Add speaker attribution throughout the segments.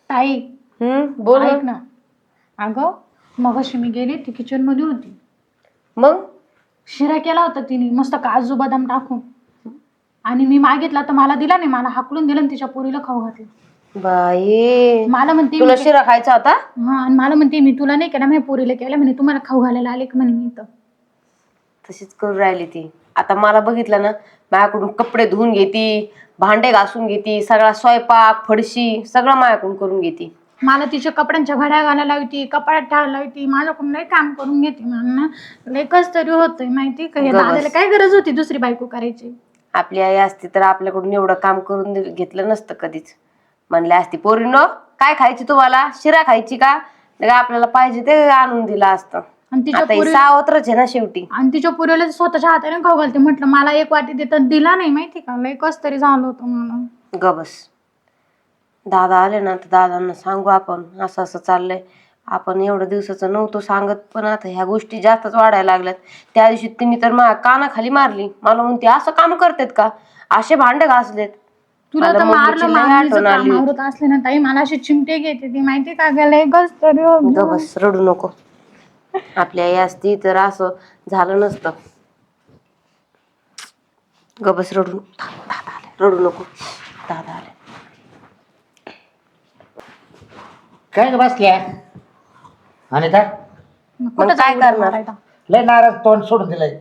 Speaker 1: ताई
Speaker 2: बोल
Speaker 1: ऐक ना. अगं मगाशी मी गेले ती किचन मध्ये होती.
Speaker 2: मग
Speaker 1: शिरा केला होता तिने मस्त काजू बदाम टाकून आणि मी मागितला तर मला दिला नाही. मला हाकलून दिलं आणि तिच्या पोरीला खाऊ घातलं.
Speaker 2: बाई
Speaker 1: मला म्हणते
Speaker 2: तुला शिरा खायचा होता?
Speaker 1: हा आणि मला म्हणते मी तुला नाही केला माझ्या पोरीला केला म्हणे तुम्हाला खाऊ घालायला आले का म्हणे मी तर.
Speaker 2: तशीच करून राहिली ती. आता मला बघितलं ना माझ्याकडून कपडे धुवून घेती, भांडे घासून घेती, सगळा स्वयंपाक फडशी सगळं माझ्याकडून करून घेती.
Speaker 1: मला तिच्या कपड्यांच्या घड्या घालायला होती, कपाळात ठेवायला होती, माझ्याकडून लई काम करून घेते. मला लई कस तरी होतंय माहिती का. हे दादाला काय गरज होती दुसरी बायको करायची.
Speaker 2: आपली आई असती तर आपल्याकडून एवढं काम करून घेतलं नसतं कधीच. म्हणले असती पोरीनो काय खायची तुम्हाला, शिरा खायची का, आपल्याला पाहिजे ते आणून दिलं असतं.
Speaker 1: आणि तिच्या
Speaker 2: आता ही सावत्रच आहे ना शेवटी.
Speaker 1: आणि तिच्या पुरीला स्वतःच्या हाताने खाऊ घालते. म्हटलं मला एक वाटी देतात दिला नाही माहिती का. लई कस तरी झालं होतं मला.
Speaker 2: गबस. दादा आले ना तर दादांना सांगू आपण असं असं चाललंय. आपण एवढं दिवसाचं नव्हतं सांगत पण आता ह्या गोष्टी जास्तच वाढायला लागल्यात. त्या दिवशी तिने तर माझ्या कानाखाली मारली. मला म्हणते असं काम करतात का, असे भांडे घासलेत.
Speaker 1: तुला तर मारलं आवडत असले ना ताई मला अशी चिमटे घेते ती माहिती का. लई कस तरी
Speaker 2: गबस रडू नको. आपली आई असती तर असं झालं नसतं. गबस रडू दादा आले रडू नको. दादा आले.
Speaker 3: काय बसल्या आणि काय
Speaker 2: मग काय करणार.
Speaker 3: लय नाराज तोंड सोडून दिलंय.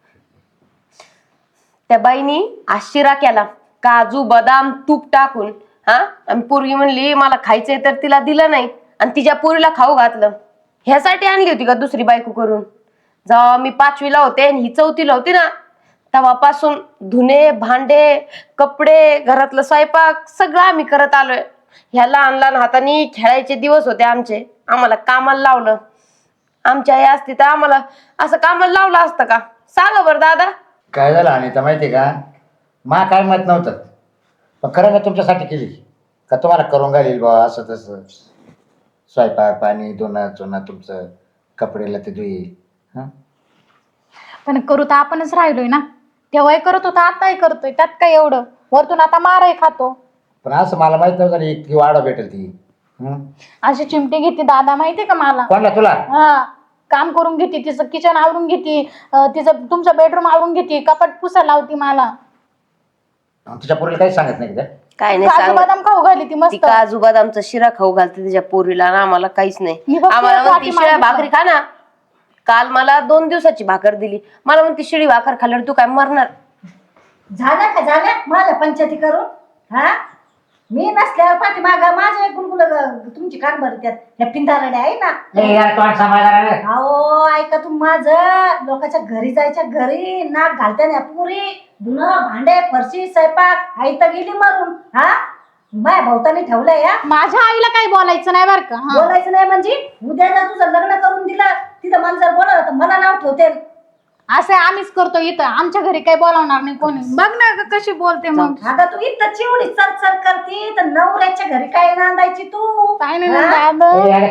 Speaker 2: त्या बाईनी आज शिरा केला काजू बदाम तूप टाकून. हा आणि पोरगी म्हणली मला खायचंय तर तिला दिलं नाही आणि तिच्या पोरीला खाऊ घातलं. ह्यासाठी आणली होती का दुसरी बायको करून. जेव्हा मी 5वीला होते आणि ही 4थीला होती ना तेव्हापासून धुणे भांडे कपडे घरातलं स्वयंपाक सगळं आम्ही करत आलोय. ह्या लहान लहान हाताने खेळायचे दिवस होते आमचे. आम्हाला कामाला लावलं. आमची आई असती तर आम्हाला असं कामाला लावलं असतं का. सांगा बरं दादा.
Speaker 3: काय झालं अनिता माहिती का, मा काय मत नव्हतं पण खरं मी तुमच्यासाठी केली का तुम्हाला करून घालील बा असं तसं. स्वयंपाक पाणी धुणं चुणं तुमचं कपडेला ते धुई. हां
Speaker 1: पण करू तर आपणच राहिलोय ना. तेव्हाही करत होता आताही करतोय. त्यात काय एवढं. वरतून आता मारही खातो.
Speaker 3: पण असं मला माहित नव्हतं ना इतकी वाढ भेटेल ती.
Speaker 1: अशी चिमटे घेते दादा माहितीये का मला.
Speaker 3: कोणला तुला.
Speaker 1: हा काम करून घेते. तिचं किचन आवरून घेते. तिचं तुमचं बेडरूम आवरून घेते. कपाट पुसा लावती मला.
Speaker 3: तुझ्या पोरीला काही सांगत नाही का.
Speaker 2: काय नाही
Speaker 1: काजू बदाम खाऊ घाली ती मस्त.
Speaker 2: काजू बदामचा शिरा खाऊ घालते तिच्या पोरीला आणि आम्हाला काहीच नाही. आम्हाला म्हणते शिळ्या भाकरी खा ना. काल मला 2 दिवसाची भाकर दिली. मला म्हणते शिळी भाकर खाल्ल्यावर तू काय मरणार.
Speaker 4: झाल्या का झाल्या माझ्या पंचायती करून. हा मी नसल्यावर पाठीमाग माझ्या गुलगुल तुमची कान भरत्यात ह्या पिंधारड्या आहे ना. अहो ऐका तू माझं लोकांच्या घरी जायच्या घरी नाक घालत्या ना पुरी धुणं भांडे फरशी स्वयंपाक आई तर गेली मरून. हा माझ्या भावताने ठेवलंय. या
Speaker 1: माझ्या आईला काही बोलायचं नाही बरं का.
Speaker 4: बोलायचं नाही म्हणजे उद्या जर तुझं लग्न करून दिलं तिथं मला जर बोलावलं तर मला नाव ठेवते.
Speaker 1: असं आम्हीच करतो इथं. आमच्या घरी काही बोलावणार नाही कोणी. बघ ना कशी बोलते मग.
Speaker 4: आता तू इथं चिवडी चरचर करते तर नवऱ्याच्या घरी काय नांदायची तू.
Speaker 1: काय नाही दादा.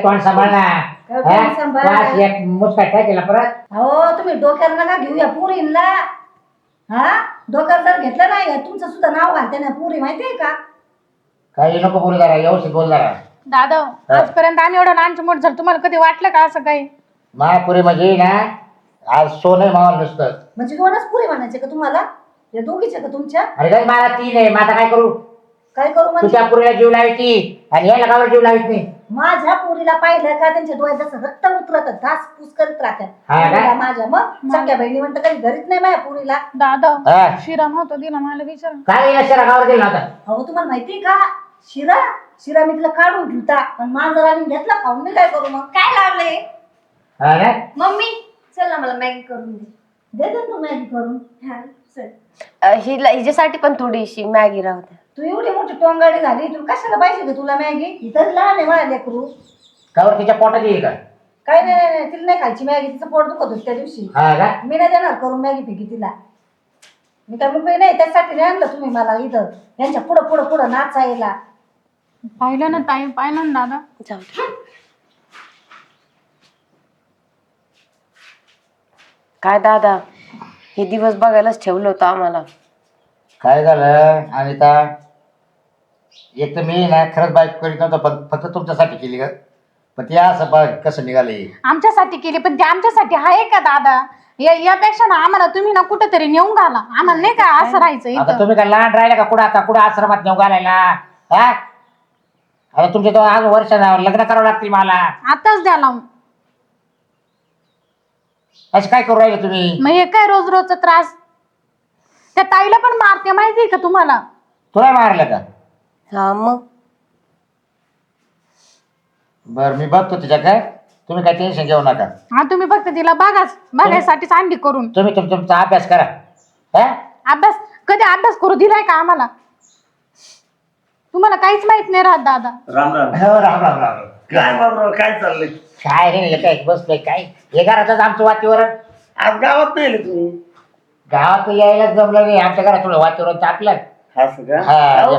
Speaker 4: हो तुम्ही डोक्याला नका घेऊया पुरीला. हा डोक्याला जर घेतलं नाही तुमचं सुद्धा नाव घालते ना पुरी माहितीये का.
Speaker 3: काही नको बोलू जरा व्यवस्थित बोल जरा.
Speaker 1: दादा आजपर्यंत आम्ही एवढं लहानचं मोठं झालं तुम्हाला कधी वाटलं का असं काही.
Speaker 3: महापुरी म्हणजे ना आज सोनं मावाला नुसतं.
Speaker 4: म्हणजे 2च पुरी म्हणायचे का तुम्हाला. या दोघीचे का तुमच्या.
Speaker 3: अरे काय मला 3 आहे. मग आता काय करू.
Speaker 4: काय करू म्हणजे.
Speaker 3: तुझ्या पुरीला जीव लावायची आणि याला गावाला जीव लावायची नाही.
Speaker 4: माझ्या पुरीला पाहिलं का त्यांच्या डोळ्यात जसं रक्त उतरत घास पूस करत राहतात माझ्या. मग सगळ्या बहिणी म्हणतात काही घरीच नाही माझ्या पुरीला.
Speaker 1: दादा शिरा नव्हतं दिला मला विचार.
Speaker 3: काय शिरा गावाला दिला होता.
Speaker 4: अहो तुम्हाला माहिती का शिरा शिरा मी तिला काढून ठेवता पण माझा आणि घेतला खाऊन मी काय करू. मग काय लावलंय
Speaker 2: मम्मी चल ना मला मॅगी करून
Speaker 4: दे दे तू मॅगी करून.
Speaker 2: हिच्यासाठी पण थोडीशी मॅगी राहते.
Speaker 4: तू एवढी मोठी टोंगाडी झाली तुला कशाला पाहिजे का तुला मॅगी. इथं लहान आहे मला लेकरू.
Speaker 3: कावर तिच्या पोटात येईल का.
Speaker 4: काय नाही तिला नाही खायची मॅगी. तिचं पोट दुखत होतं त्या दिवशी. मी नाही देणार करून मॅगी फिकी तिला. मी काय मुंबई नाही त्यासाठी नाही आणलं तुम्ही मला इथं यांच्या पुढं पुढं पुढं नाचायला.
Speaker 1: पाहिलं ना ताई पाहिलं ना दादा.
Speaker 2: जाऊ दे. काय दादा हे दिवस बघायलाच ठेवलं होतं आम्हाला.
Speaker 3: काय झालं अनिता. एक तर मी ना खरंच बाईक करीत नव्हतं पण फक्त तुमच्यासाठी केली का पण ते असं बघ कसं निघाले.
Speaker 1: आमच्यासाठी केली पण ते आमच्यासाठी आहे का दादा? यापेक्षा ना आम्हाला तुम्ही ना कुठेतरी नेऊन घाला. आम्हाला नाही का असं राहायचं
Speaker 3: आता
Speaker 1: इथं.
Speaker 3: तुम्ही काय लहान राहिला का कुठं आता कुठं आश्रमात नेऊ घालायला हा? आता तुमच्या तो आज वर्ष लग्न करावं लागतील मला.
Speaker 1: आताच द्या लावून.
Speaker 3: असं काय करू राहिले तुम्ही?
Speaker 1: मग हे काय रोज रोजचा त्रास? त्या ताईला पण मारते माहितीये का तुम्हाला?
Speaker 3: तुला मारलं का?
Speaker 2: हा मग
Speaker 3: बरं मी बघतो तिच्या काय तुम्ही काय टेन्शन घेऊ नका.
Speaker 1: हा तुम्ही फक्त तिला बघायसाठीच आणली करून.
Speaker 3: तुम्ही तुमचा अभ्यास करा. हा
Speaker 1: अभ्यास कधी अभ्यास करू दिलाय का आम्हाला? तुम्हाला काहीच माहित नाही राहत दादा.
Speaker 5: राम राम.
Speaker 3: हो राम राम राम.
Speaker 5: काय बाबराव काय चाललंय?
Speaker 3: काय हे काय बसलोय काय हे घरातच आमचं वातावरण.
Speaker 5: आज गावात नाही आले तुम्ही?
Speaker 3: गावात यायलाच जमलं नाही आमच्या घरात थोडं वातावरण तापलं.
Speaker 5: असं का?
Speaker 3: हा
Speaker 5: अहो,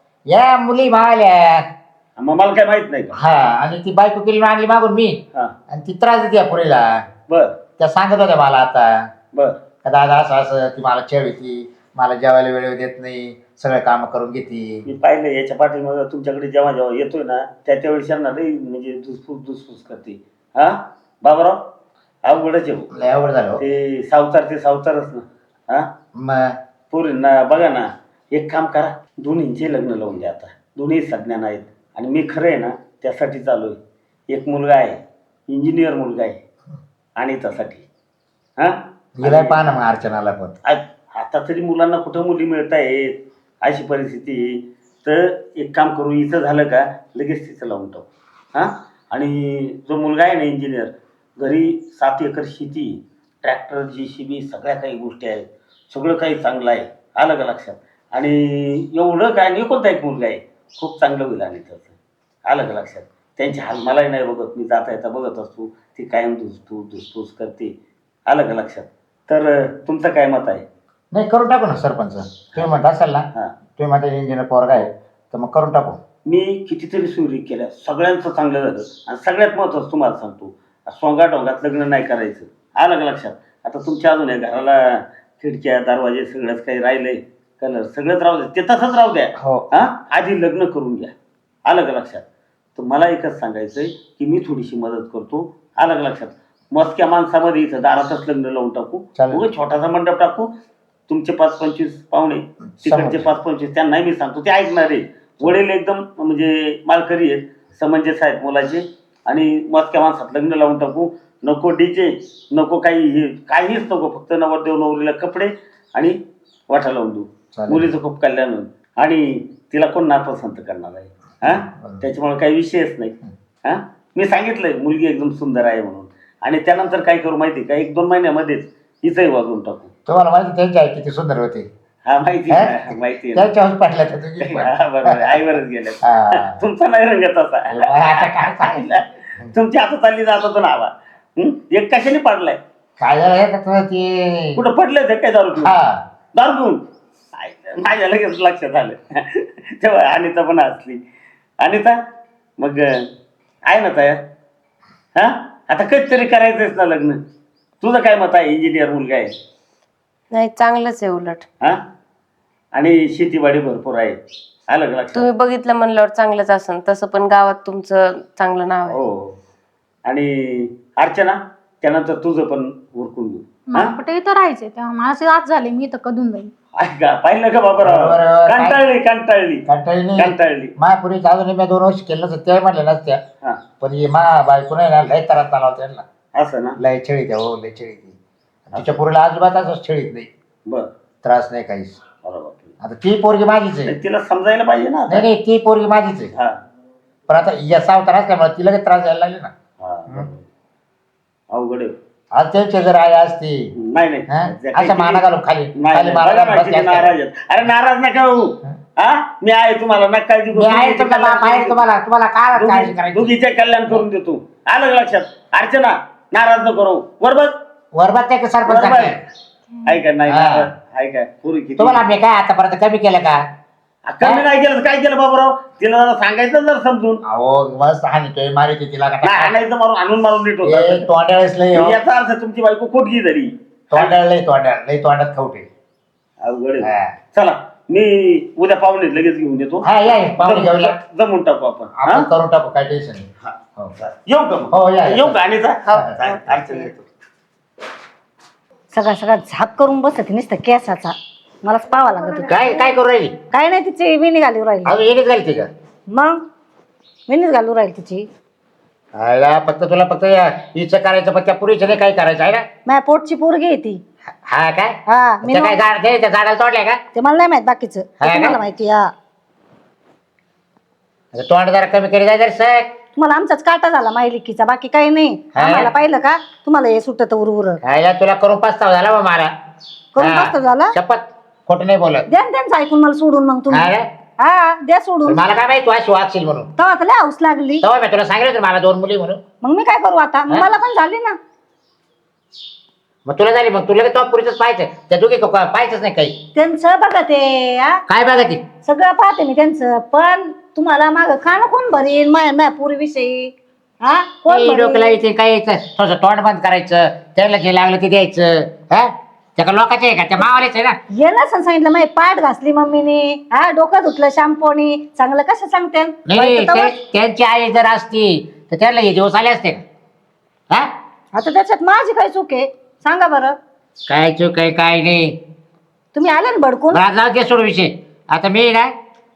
Speaker 3: या मुली मावल्या.
Speaker 5: मग मला काय माहित नाही का?
Speaker 3: हा आणि ती बायको केली आणली मागून मी
Speaker 5: हा
Speaker 3: आणि ती त्रास देते या पुरीला.
Speaker 5: बर
Speaker 3: त्या सांगत होत्या मला आता
Speaker 5: बर.
Speaker 3: का दादा असं असं ती मला छेडती मला जेवायला वेळ देत नाही सगळे काम करून घेते.
Speaker 5: मी पाहिलं याच्या पाठीमाग तुमच्याकडे जेव्हा जेव्हा येतोय ना त्यावेळेस यांना नाही म्हणजे धुसफूस करते. हा बाबराव अवघडच आहे भाऊ.
Speaker 3: लय अवघड झालं हो.
Speaker 5: ते सावकारच ना. हा
Speaker 3: मग
Speaker 5: पोरींना बघा ना एक काम करा दोन्हींचे लग्न लावून द्या. आता दोन्ही सज्ञान आहेत आणि मी खरं आहे ना त्यासाठी चालू आहे. एक मुलगा आहे इंजिनियर मुलगा आहे आणि त्यासाठी हा
Speaker 3: गेलाय पाहा ना मग अर्चनाला पण.
Speaker 5: आता तरी मुलांना कुठं मुली मिळत आहेत अशी परिस्थिती. तर एक काम करू इथं झालं का लगेच तिथं लावून टाकू. हां आणि जो मुलगा आहे ना इंजिनियर घरी 7 एकर शेती ट्रॅक्टर JCB सगळ्या काही गोष्टी आहेत सगळं काही चांगलं आहे. आलं का लक्षात? आणि एवढं काय नाही कोणता एक मुलगा आहे खूप चांगलं होईल आणि त्याचं. आलं का लक्षात? त्यांची हाल मलाही नाही बघत मी जाता येता बघत असतो ती कायम धुसफूस करते. आलं का लक्षात? तर तुमचं काय मत आहे?
Speaker 3: नाही करून टाकू ना सरपंच. तुम्ही म्हणत असाल ना
Speaker 5: हां
Speaker 3: तुम्ही माझ्या इंजिनियर पोरगा आहे तर मग करून टाकू.
Speaker 5: मी कितीतरी सुरी केल्या सगळ्यांचं चांगलं झालं आणि सगळ्यात महत्त्वाचं तुम्हाला सांगतो सोंगाटोंगात लग्न नाही करायचं. आलं का लक्षात? आता तुमच्या अजून या घराला खिडक्या दरवाजे सगळंच काही राहिलंय कलर सगळंच राहू द्या ते तसंच राहू द्या.
Speaker 3: हो
Speaker 5: हां आधी लग्न करून घ्या. आलं का लक्षात? तर मला एकच सांगायचं आहे की मी थोडीशी मदत करतो. आलं का लक्षात? मस्क्या माणसामध्ये इथं दारातच लग्न लावून टाकू.
Speaker 3: चालेल.
Speaker 5: उगाच छोटासा मंडप टाकू. तुमचे 5-25 पाहुणे तिकडचे 5-25 त्यांनाही मी सांगतो ते ऐकणार आहे. वडील एकदम म्हणजे मालकरी आहेत समंजस आहेत मुलाचे आणि मस्क्या माणसात लग्न लावून टाकू. नको DJ नको काहीच नको फक्त नवरदेव नवरीला कपडे आणि वाटा लावून देऊ.
Speaker 3: चालेल.
Speaker 5: मुलीचं खूप कल्याण होईल आणि तिला कोण नापसंत करणार आहे. हां त्याच्यामुळे काही विषयच नाही. हां मी सांगितलंय मुलगी एकदम सुंदर आहे म्हणून आणि त्यानंतर काय करू माहिती का 1-2 महिन्यामध्येच हिचंही वाजवून टाकू.
Speaker 3: तुम्हाला माहिती त्यांची आई किती सुंदर होती.
Speaker 5: हा माहिती आहे माहिती आहे.
Speaker 3: त्यांच्या हाऊस पाटल्या त्या तुझी पण.
Speaker 5: हा, बरोबर आईवरच गेले.
Speaker 3: हा.
Speaker 5: तुमचा नाही रंगत असा.
Speaker 3: आता काय सांगितलं
Speaker 5: तुमची आता चालली जात होतो ना आवा. एक कशाने पाडलाय
Speaker 3: काय झालं हे का तुला ते
Speaker 5: कुठं पडलंय ते काय दारू पिऊन?
Speaker 3: हा
Speaker 5: दारू पिऊन माझ्या लगेच लक्षात आलं. तेव्हा अनिता पण असली. अनिता मग आहे ना तयार? हा आता कधीतरी करायचंच ना लग्न. तुझं काय मत आहे? इंजिनियर मुलगा आहे.
Speaker 2: नाही चांगलंच आहे उलट.
Speaker 5: हा आणि शेतीवाडी भरपूर आहे. आलं का लक्षात?
Speaker 2: तुम्ही बघितलं म्हणल्यावर चांगलंच असन. तसं पण गावात तुमचं चांगलं नाव आहे.
Speaker 5: हो आणि अर्चना त्यानंतर तुझं पण उरकून घेऊ.
Speaker 1: मला कुठे इथं राहायचंय तेव्हा मला असे आज झाले मी इथं कधून जाईल.
Speaker 5: ऐका पाहिलं का बाबा
Speaker 3: बरोबर.
Speaker 5: कंटाळली
Speaker 3: कंटाळी महापुरी अजून मी 2 वर्ष केलं नसतं ते म्हणले नसत्या
Speaker 5: हा
Speaker 3: पण हे मा बायको नाही ना लय त्रास चालव त्यांना
Speaker 5: असं ना.
Speaker 3: लय छेळी त्या हो लय छेळी ती तिच्या पोरीला अजिबात असं छेळीत नाही
Speaker 5: बर
Speaker 3: त्रास नाही काहीच.
Speaker 5: बरोबर.
Speaker 3: आता ती पोरगी माझीच आहे.
Speaker 5: तिला समजायला पाहिजे ना आता.
Speaker 3: नाही नाही ती पोरगी माझीच आहे
Speaker 5: हा
Speaker 3: पण आता या सावतार असल्यामुळे तिला काही त्रास द्यायला लागले ना.
Speaker 5: हा बरोबर. अवघड आहे.
Speaker 3: आज त्यांची जर आई असती
Speaker 5: नाही
Speaker 3: हा?
Speaker 5: नाही
Speaker 3: अशा माना घालून खाली
Speaker 5: नाही,
Speaker 3: खाली
Speaker 5: नाही.
Speaker 3: माना
Speaker 5: बघा
Speaker 3: घालून
Speaker 5: ना,
Speaker 3: बसले
Speaker 5: किती
Speaker 3: असते.
Speaker 5: नाराज आहेत. अरे नाराज नका होऊ. हा मी आहे तुम्हाला नका काळजी
Speaker 3: मी आहे तुमचा बाप आहे तुम्हाला तुम्हाला काय काळजी करायची.
Speaker 5: दोघीचे कल्याण करून देतो. आलं का लक्षात? अर्चना नाराज नको करू. बरोबर
Speaker 3: वरबात नाही का सरपंच
Speaker 5: बरोबर
Speaker 3: आहे.
Speaker 5: ऐका नाही
Speaker 3: हा.
Speaker 5: नाराज. ऐका पुरी किती
Speaker 3: तुम्हाला मी काय आतापर्यंत कमी केलं का?
Speaker 5: कमी नाही केलं तर काय केलं बाबूराव? तिला जरा सांगायचं जर समजून.
Speaker 3: अहो मस्त हानितोय मारित तिला का
Speaker 5: नाही आणायचं मारून आणून मारून नीट
Speaker 3: ए,
Speaker 5: होतं.
Speaker 3: तोंडाळीच लय हो.
Speaker 5: याचा अर्थ तुमची बायको खोटगी झाली.
Speaker 3: लय तोंडात खाऊटे.
Speaker 5: अवघड आहे.
Speaker 3: हा.
Speaker 5: चला मी उद्या पाहुणे लगेच घेऊन येतो.
Speaker 3: हा या पाहुणे घेऊन या.
Speaker 5: जमून टाकू आपण.
Speaker 3: आपण
Speaker 5: हा?
Speaker 3: करून टाकू, काय टेन्शन नाही.
Speaker 5: हा.
Speaker 3: हो.
Speaker 5: येऊ का मग?
Speaker 3: हो, या.
Speaker 5: येऊ का अनिता?
Speaker 2: हो.
Speaker 5: चालेल, अडचण येतो.
Speaker 4: सगळा झाप करून बसत नुसतं केसाचा मलाच पावा लागत होतं.
Speaker 3: काय काय करू राहिली?
Speaker 4: काय नाही तिची विणी घालू राहिली.
Speaker 3: अजून येणेच घालते का?
Speaker 4: मग विणीच घालू राहिली तिची.
Speaker 3: आयला फक्त तुला फक्त हिचं करायचं, पण त्या पुरीचं नाही काही करायचं आहे ना.
Speaker 4: माझ्या पोटची पोरगी आहे ती.
Speaker 3: हा काय?
Speaker 4: हा मी
Speaker 3: त्या काय झाड त्या झाडाला तोडल्या का?
Speaker 4: ते मला नाही माहित बाकीचं, ते
Speaker 3: हा का?
Speaker 4: तुम्हाला माहिती. हा
Speaker 3: आता तोंड जरा कमी करी जाय सर.
Speaker 4: तुम्हाला आमचाच काटा झाला माहिलिकीचा, बाकी काही नाही.
Speaker 3: हा?
Speaker 4: आम्हाला पाहिलं का तुम्हाला हे सुटत उरउर
Speaker 3: आयला तुला करून पस्ताव झाला बा मला.
Speaker 4: करून
Speaker 3: हा.
Speaker 4: पस्ताव झाला?
Speaker 3: शपथ खोटं नाही बोलत.
Speaker 4: द्या ना त्यांचं ऐकून मला सोडून मग तुम्ही.
Speaker 3: अरे
Speaker 4: हा द्या सोडून.
Speaker 3: मला काय माहिती तू अशी वागशील म्हणून.
Speaker 4: तेव्हा तर लय हौस लागली.
Speaker 3: तेव्हा मी तुला सांगितलं होतं मला 2 मुली म्हणून.
Speaker 4: मग मी काय करू आता? मग
Speaker 3: हा?
Speaker 4: मला पण झाली ना.
Speaker 3: मग तुला झाली, मग तुला तो पुरीच पाहायचं, त्या दोघी पाहायचंच नाही काही.
Speaker 4: त्यांचं बघा ते
Speaker 3: काय बघा ती
Speaker 4: सगळं पाहते मी त्यांचं, पण तुम्हाला माग खाणं कोण भरीन माझ्या पूर्वीविषयी? हा कोण
Speaker 3: डोकं
Speaker 4: भरीन?
Speaker 3: लावायचं काय यायचं, थोडंसं तोंड बंद करायचं, त्याला जे लागलं ते द्यायचं. हा त्या का लोकांचे आहे का? त्या मावालेच आहे ना.
Speaker 4: ये ना सांगितलं माझी पाठ घासली मम्मीने, हा डोकं धुतलं शॅम्पूनी, चांगलं कसं सांगते?
Speaker 3: नाही त्यांची आई जर असती तर त्याला हे दिवस आले असते का? हा
Speaker 4: आता त्याच्यात माझी काय चूक आहे सांगा बरं?
Speaker 3: काय चूक काय काय नाही.
Speaker 4: तुम्ही आले ना भडकून.
Speaker 3: बरं, जाऊ दे सोड विषय. आता मी ना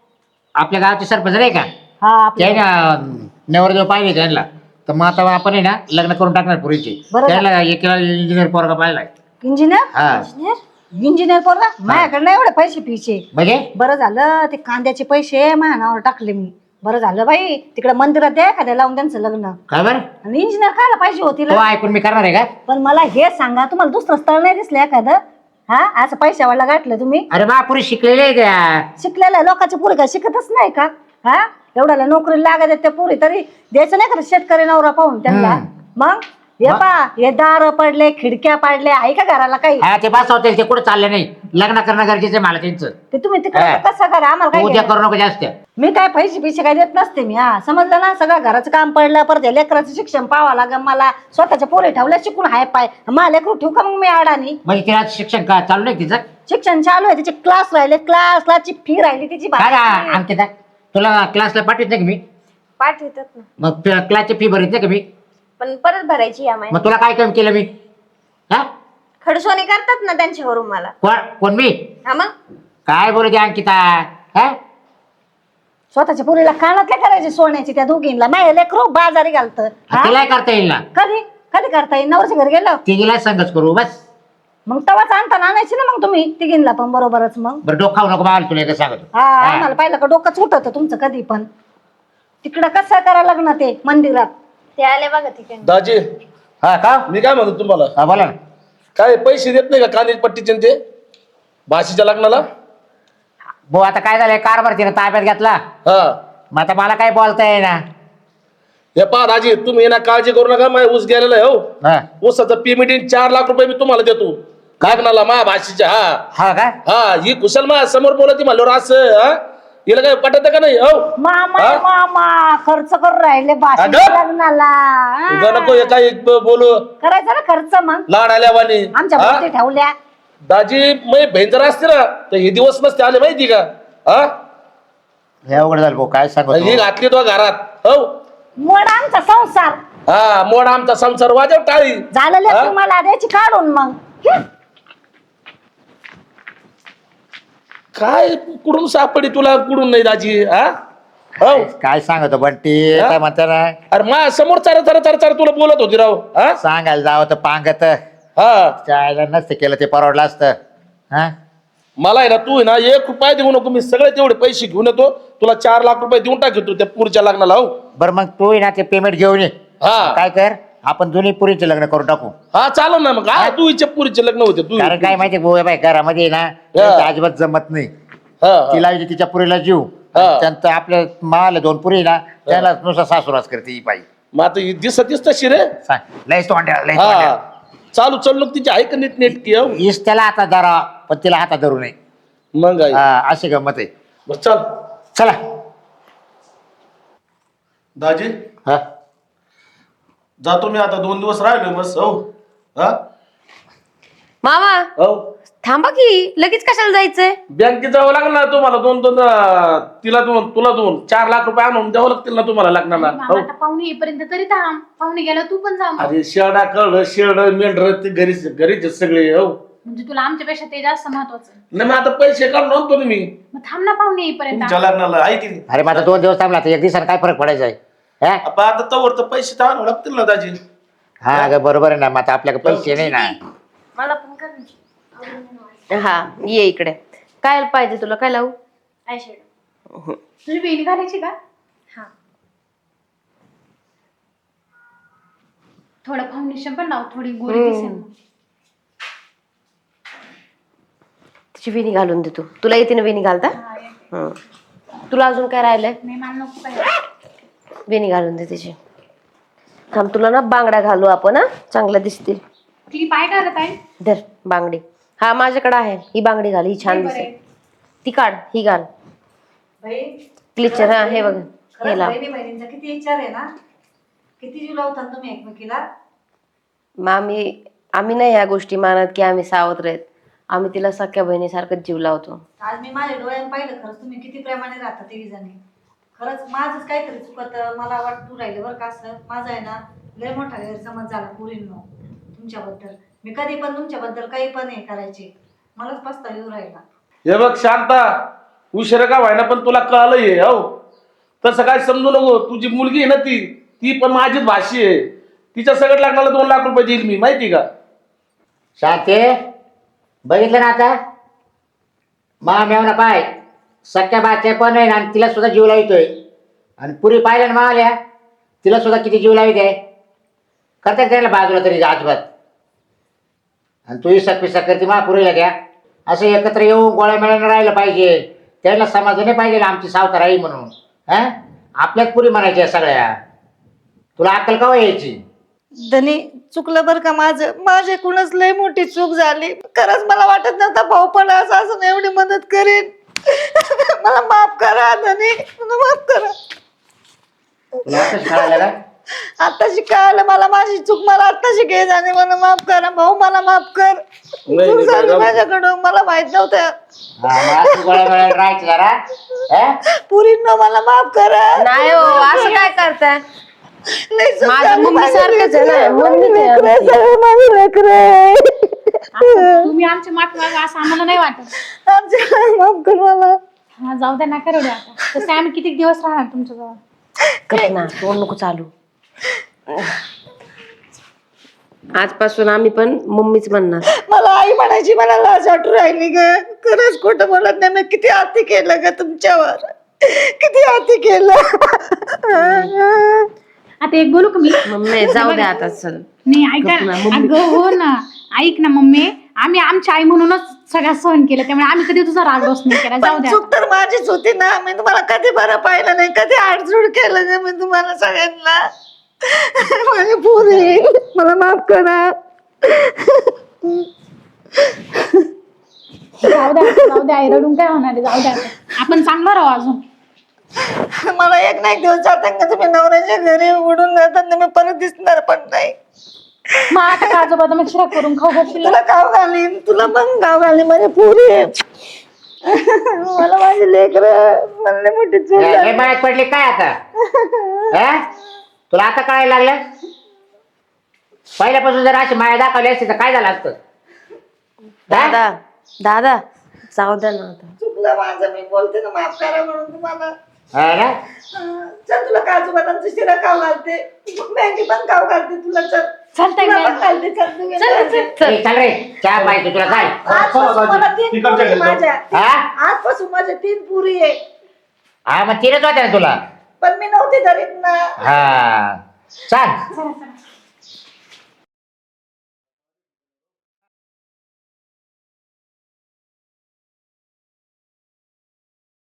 Speaker 3: आपल्या गावचे सरपंच नाही का,
Speaker 4: हा आपलं.
Speaker 3: ते ना नवरदेव पाहिले त्यांना, तर मग आता आपण आहे ना लग्न करून टाकणार पुरीची.
Speaker 4: बरं.
Speaker 3: त्याला एक इंजिनियर पोरगा पाहिला.
Speaker 4: इंजिनियर?
Speaker 3: हा
Speaker 4: इंजिनियर पोरगा? माझ्याकडे नाही एवढे पैसे पिचे.
Speaker 3: म्हणजे
Speaker 4: बरं झालं ते कांद्याचे पैसे माझ्या नावावर टाकले मी. बरं झालं बाई, तिकडे मंदिरात द्या एखाद्या लावून त्यांचं लग्न.
Speaker 3: काय बरं
Speaker 4: आणि इंजिनियर खायला पाहिजे होती
Speaker 3: तो ऐकून मी करणार आहे का?
Speaker 4: पण मला हे सांगा, तुम्हाला दुसरं स्थळ नाही दिसलं एखादं? हा असं पैशावाला गाठलं तुम्ही?
Speaker 3: अरे बा पुरी शिकलेली आहे त्या.
Speaker 4: शिकलेल्या लोकांची पुरी काय शिकतच नाही का? हा एवढ्याला नोकरी लागत आहेत त्या पुरी, तरी द्यायचं नाही का शेतकरी नवरा पाहून त्यांना? मग हे पा हे दार पडले, खिडक्या पाडल्या, आहे का घराला काही?
Speaker 3: हा ते बस होते ते कुठे चालले नाही. लग्न करणं गरजेचं आहे मला त्यांचं.
Speaker 4: ते तुम्ही तिकडे
Speaker 3: हा.
Speaker 4: कसं करा, आम्हाला काय
Speaker 3: उद्या
Speaker 4: घेणं?
Speaker 3: करू नको जास्त.
Speaker 4: मी काय पैसे काय देत नसते मी. हा समजलं ना? सगळं घराचं काम पडलं, परत या लेकराचं शिक्षण पाहावं लागेल मला. स्वतःच्या पोरी ठेवल्या शिकून हाय पाय, मला लेकरू ठेवू का मग मी अडाणी?
Speaker 3: म्हणजे तिला शिक्षण का चालू नाही तिचं?
Speaker 4: शिक्षण चालू आहे, तिचे क्लास राहिले, क्लासची फी राहिली तिची
Speaker 3: काय
Speaker 4: बाकी.
Speaker 3: अंकिता तुला क्लासला पाठवत नाही का मी?
Speaker 6: पाठवतात ना,
Speaker 3: मग क्लासची फी भरत नाही का मी?
Speaker 6: पण परत भरायची या
Speaker 3: मग तुला काय काम केलं मी? हा
Speaker 6: खडसोने करतात ना त्यांच्यावरून मला.
Speaker 3: कोण मी?
Speaker 6: हा मग
Speaker 3: काय बोलते अंकिता? हा
Speaker 4: स्वतःच्या पोरीला कानातल्या करायचे सोन्याची त्या दोघींना. माझ्या लेकरू बाजारी घालतं. हा?
Speaker 3: तिला करता येईल ना?
Speaker 4: कधी कधी करता येईल? नवरच्या घरी गेलं
Speaker 3: तिघीला संगच करू बस.
Speaker 4: मग तवाच आणताना आणायची ना मग तुम्ही तिघींना पण बरोबरच. मग
Speaker 3: बरं डोक खाऊ नको बाहेर तुला एकच सांगतो.
Speaker 4: हा आम्हाला पाहिलं का डोकंच उठत तुमचं कधी पण. तिकडं कसं करा लग्न ते मंदिरात?
Speaker 6: ते आले बघा तिकडे.
Speaker 7: दाजी,
Speaker 3: हा का?
Speaker 7: मी काय म्हणतो तुम्हाला,
Speaker 3: हा बोला ना.
Speaker 7: काय पैसे देत नाही का कांद्याची पट्टीचे आणि ते भाषेच्या लग्नाला?
Speaker 3: भाऊ आता काय झालंय, कारभार तिने ताब्यात घेतला.
Speaker 7: हा
Speaker 3: मग आता मला काय बोलता येईना.
Speaker 7: हे पहा दाजी, तुम्ही ना काळजी करू नका. माझ्या ऊस गेलेला आहे हो.
Speaker 3: हा
Speaker 7: ऊसाचं पेमेंट 4 लाख रुपये मी तुम्हाला देतो लग्नाला माझ्या भाषेच्या. हा
Speaker 3: हा का?
Speaker 7: हा ही कुशल माझ्या समोर बोलती म्हणल्यावर असं हा हिला काय पटत का नाही? हो
Speaker 4: मामा
Speaker 7: हा?
Speaker 4: मामा खर्च करून राहिले भाषेच्या
Speaker 7: अगं?
Speaker 4: लग्नाला.
Speaker 7: उगा नको हे काय बोलू
Speaker 4: करायचा ना खर्च मग.
Speaker 7: लाड आल्यावानी.
Speaker 4: आमच्या
Speaker 7: हा?
Speaker 4: भोवती ठेवल्या.
Speaker 7: दाजी मग बहीण जर असते ना तर हे दिवस नसते आले माहिती का? हा
Speaker 3: हे अवघड झालं भाऊ, काय सांगू
Speaker 7: ही घातली तो घरात. हो
Speaker 4: मोड आमचा संसार
Speaker 7: हा मोड आमचा संसार वाजव टाळी.
Speaker 4: झालं
Speaker 7: हा?
Speaker 4: तुम्हाला द्यायची काढून मग.
Speaker 7: काय कुठून सापडी तुला कुठून नाही दाजी? हा हो
Speaker 3: काय सांगतो बंटी?
Speaker 7: हा?
Speaker 3: काय म्हणता ना,
Speaker 7: अरे मा समोर चार तुला बोलत होती राव. हा
Speaker 3: सांगायला जावं तर पांगत
Speaker 7: हा
Speaker 3: चायला नसतं केलं ते परवडलं असतं. हा
Speaker 7: मला आहे ना तू आहे ना 1 रुपया देऊ नको. मी सगळे तेवढे पैसे घेऊन येतो. तुला 4 लाख रुपये देऊन टाकतो त्या पुढच्या लग्नाला. हो
Speaker 3: बरं मग तू ना ते पेमेंट घेऊन ये.
Speaker 7: हा
Speaker 3: काय कर, आपण जुनी पुरीचे लग्न करून टाकू.
Speaker 7: हा चालेल ना. मग हा तू हिच्या पुरीचे लग्न होते तू.
Speaker 3: कारण काय माहिती भाऊ, बाई घरामध्ये ना त्यांचं अजिबात जमत नाही.
Speaker 7: हा
Speaker 3: तिला तिच्या पुरीला जीव,
Speaker 7: हा.
Speaker 3: त्यांचं आपल्या माला 2 पुरी ना त्याला नुसता सासूरास करते ही बाई.
Speaker 7: मग आता ही दिसतीस तशी रे.
Speaker 3: सांग लयच तोंड्या लय
Speaker 7: हा
Speaker 3: तोंड्या.
Speaker 7: चालू चल तिची आहे का नीट नेटकी? हो
Speaker 3: हीच त्याला हातात धरा, पण तिला हातात धरू नये.
Speaker 7: मग आहे.
Speaker 3: हा, अशी गंमत आहे.
Speaker 7: बरं चल
Speaker 3: चला.
Speaker 7: दाजी
Speaker 3: हा
Speaker 7: जातो मी आता. 2 दिवस राहिले बस. हो हा
Speaker 2: मामा
Speaker 7: हो
Speaker 2: थांबा की लगेच कशाला जायचंय?
Speaker 7: बँकेत जावं लागलं ना तुम्हाला तिला 2 तुला 2 4 लाख रुपये आणून द्यावं लागतील ना तुम्हाला लग्नाला.
Speaker 1: मामा आता पाहुणे येईपर्यंत तरी थांब. पाहुणे गेला तू पण जा मग.
Speaker 7: अरे शेडा कळलं शेड मेंढर ते घरीच आहेत सगळे. हो
Speaker 1: म्हणजे तुला आमच्यापेक्षा ते जास्त महत्वाचं आहे.
Speaker 7: नाही मग आता पैसे काढून आणतो ना मी
Speaker 1: मग थांब ना पाहुणे येईपर्यंत.
Speaker 7: तुमच्या लग्नाला ऐक की.
Speaker 3: अरे माझा 2 दिवस थांबला तर 1 दिवसानं काय फरक पडायचा आहे? हा?
Speaker 7: आपण आता तवर तर पैसे तर आणावं लागतील ना दाजी.
Speaker 3: हा अगं बरोबर आहे ना. मग आता आपल्याकडे पैसे नाही ना.
Speaker 6: मला पण कर ना.
Speaker 2: हा ये इकडे. काय पाहिजे तुला? काय लावू?
Speaker 6: आयशॅडो.
Speaker 1: तुझी वेणी घालायची का?
Speaker 6: हा.
Speaker 1: थोडं फाउंडेशन पण लाव, थोडी गोरी दिसेल मग.
Speaker 2: तिची वेणी घालून दे तू. तुला येते ना वेणी घालता?
Speaker 1: हा, ये.
Speaker 2: तुला अजून काय राहिलंय?
Speaker 1: नाही मला नको काय.
Speaker 2: वेणी घालून दे तिची. थांब तुला ना बांगड्या घालू आपण. हा चांगल्या दिसतील.
Speaker 1: ती पाय घालत आहे.
Speaker 2: धर बांगडी. हा माझ्याकडे आहे. ही बांगडी घाल. ही छान दिसेल. ती काढ. ही घाल.
Speaker 4: बाई
Speaker 2: क्लिचर. हा हे बघ. हे
Speaker 4: खरंच
Speaker 2: लाव.
Speaker 4: बहिणी बहिणींचा किती विचार आहे ना. किती जीव लावतात तुम्ही एकमेकीला.
Speaker 2: मग आम्ही नाही ह्या गोष्टी मानत की आम्ही सावत्र आहेत. आम्ही तिला सख्या बहिणीसारखंच जीव लावतो.
Speaker 4: आज मी माझ्या डोळ्याने पाहिलं खरंच तुम्ही किती प्रेमाने राहता तिघी जणी. खरंच माझंच काहीतरी चुकत मला वाटू राहिलं बरं का. असं माझा आहे ना लय मोठा गैरसमज झाला पुरींनो तुमच्याबद्दल. मी कधी पण तुमच्याबद्दल काही पण हे करायचे. मलाच पस्तावा येऊ राहिला.
Speaker 7: हे बघ शांता, उशिरा का व्हायना पण तुला कळलंय. हो तसं काय समजू नको. तुझी मुलगी आहे ना ती पण माझीच भाषी आहे. तिच्या सगळं लग्नाला 2 लाख रुपये देईल मी, माहिती का?
Speaker 3: शांते बघितलं ना आता मेवना पाय सख्या बाच्या पण आहे आणि तिला सुद्धा जीव लावितोय. आणि पुरी पाहिलं ना मावल्या तिला सुद्धा किती जीव लावित आहे. करतात त्याला बाजूला तरी अजिबात. आणि तूही सकपिसा करते पुरीला द्या. असं एकत्र येऊन गोळ्या मिळायला राहिलं पाहिजे. त्याला समाजाने पाहिजे ना आमची सावतर आई म्हणून. हा आपल्याच पुरी म्हणायच्या सगळ्या. तुला अक्कल केव्हा यायची?
Speaker 4: धनी चुकलं बरं का माझ्याकडूनच लय मोठी चूक झाली. खरंच मला वाटत नव्हता भाऊ पण असं एवढी मदत करेन. मला माफ करा धनी. मला माफ करा.
Speaker 3: तुला आताच कळालं का?
Speaker 4: आताशी कळालं मला माझी चूक. मला आताशी घे जाणे. मला माफ करा भाऊ. मला माफ कर.
Speaker 7: नाही,
Speaker 4: चूक झाली
Speaker 7: जाऊ.
Speaker 4: माझ्याकडून. मला माहित नव्हतं.
Speaker 3: हा, मग असं गोळ्या मिळायला राहायचं जरा. हा?
Speaker 4: पुरींनो मला माफ करा.
Speaker 2: नाही हो असं काय करताय?
Speaker 4: लय चूक
Speaker 2: माझ्या
Speaker 4: झाली
Speaker 2: मम्मी सारखंच आहे ना.
Speaker 4: माझी
Speaker 2: मम्मीच आहे
Speaker 4: लेकरं,
Speaker 2: आमची.
Speaker 4: सगळं माझी लेकरं.
Speaker 1: असं तुम्ही आमची माफी मागा असं आम्हाला नाही वाटत.
Speaker 4: आमच्या माफ कर मला.
Speaker 1: हा जाऊ द्या नका रडू आता. तसे आम्ही किती दिवस राहणार तुमच्याजवळ.
Speaker 2: कर ना तोंड नको चालू. आजपासून आम्ही पण मम्मीच म्हणणार.
Speaker 4: मला आई म्हणायची. मला लाज वाटू राहिली ग. खरंच खोटं बोलत नाही. मी किती आती केलं ग तुमच्यावर. किती आती केलं.
Speaker 1: आता एक बोलू का मी?
Speaker 2: मम्मी जाऊ द्या आता चल.
Speaker 1: नाही ऐका
Speaker 2: गप्प ना,
Speaker 1: ना.
Speaker 2: मम्मी.
Speaker 1: अगं हो ना. ऐक ना मम्मी. आम्ही आमची आई म्हणूनच सगळ्या सहन केलं. त्यामुळे आम्ही कधी तुझा राग रोष नाही केला. जाऊ
Speaker 4: पण
Speaker 1: द्या.
Speaker 4: चूक तर माझीच होती ना. मी तुम्हाला कधी बरं पाहिलं नाही. कधी आडजूड केलं नाही मी तुम्हाला सगळ्यांना. माझी पोरी मला माफ करा.
Speaker 1: जाऊ द्या आई रडून काय होणार आहे. जाऊ द्या आता. आपण चांगलं राहू अजून.
Speaker 4: मला एक ना एक दिवस जाताना तुम्ही नवऱ्याच्या घरी उडून जाताना मी परत दिसणार पण नाही.
Speaker 1: मग आता काजू बदाम शिरा करून खाऊ घालशील.
Speaker 4: तुला गाव घालीन. तुला पण गाव घालीन. माझी पोरी मला माझी लेकरं. मला लय मोठी चूक
Speaker 3: हे
Speaker 4: झाली.
Speaker 3: मळ्यात पडली काय आता? हा? तुला आता कळायला लागलं? पहिल्यापासून जर अशी माया दाखवली असती तर काय झालं असतं?
Speaker 2: दादा दादा जाऊ द्या ना आता.
Speaker 4: चुकलं माझं. मी बोलते ना माफ करा म्हणून तुम्हाला.
Speaker 3: हा ना?
Speaker 4: चल तुला काजू बदामचं शिरा खाऊ घालते. मॅगी पण खाऊ घालते तुला. चल
Speaker 1: चालतंय
Speaker 4: तुला
Speaker 1: काय?
Speaker 4: पण घालते. चल तू घे.
Speaker 3: ए, चल रे चहा पाहिजे तुला काय?
Speaker 4: आजपासून मला 3
Speaker 7: तिकडच्या
Speaker 4: पुरी
Speaker 7: घरी जाऊ.
Speaker 4: माझ्या.
Speaker 3: हा?
Speaker 4: आजपासून माझ्या 3 पुरी आहे.
Speaker 3: हा मग तिनेच होत्या ना तुला.
Speaker 4: पण मी नव्हती धरीत ना.
Speaker 3: हा सांग.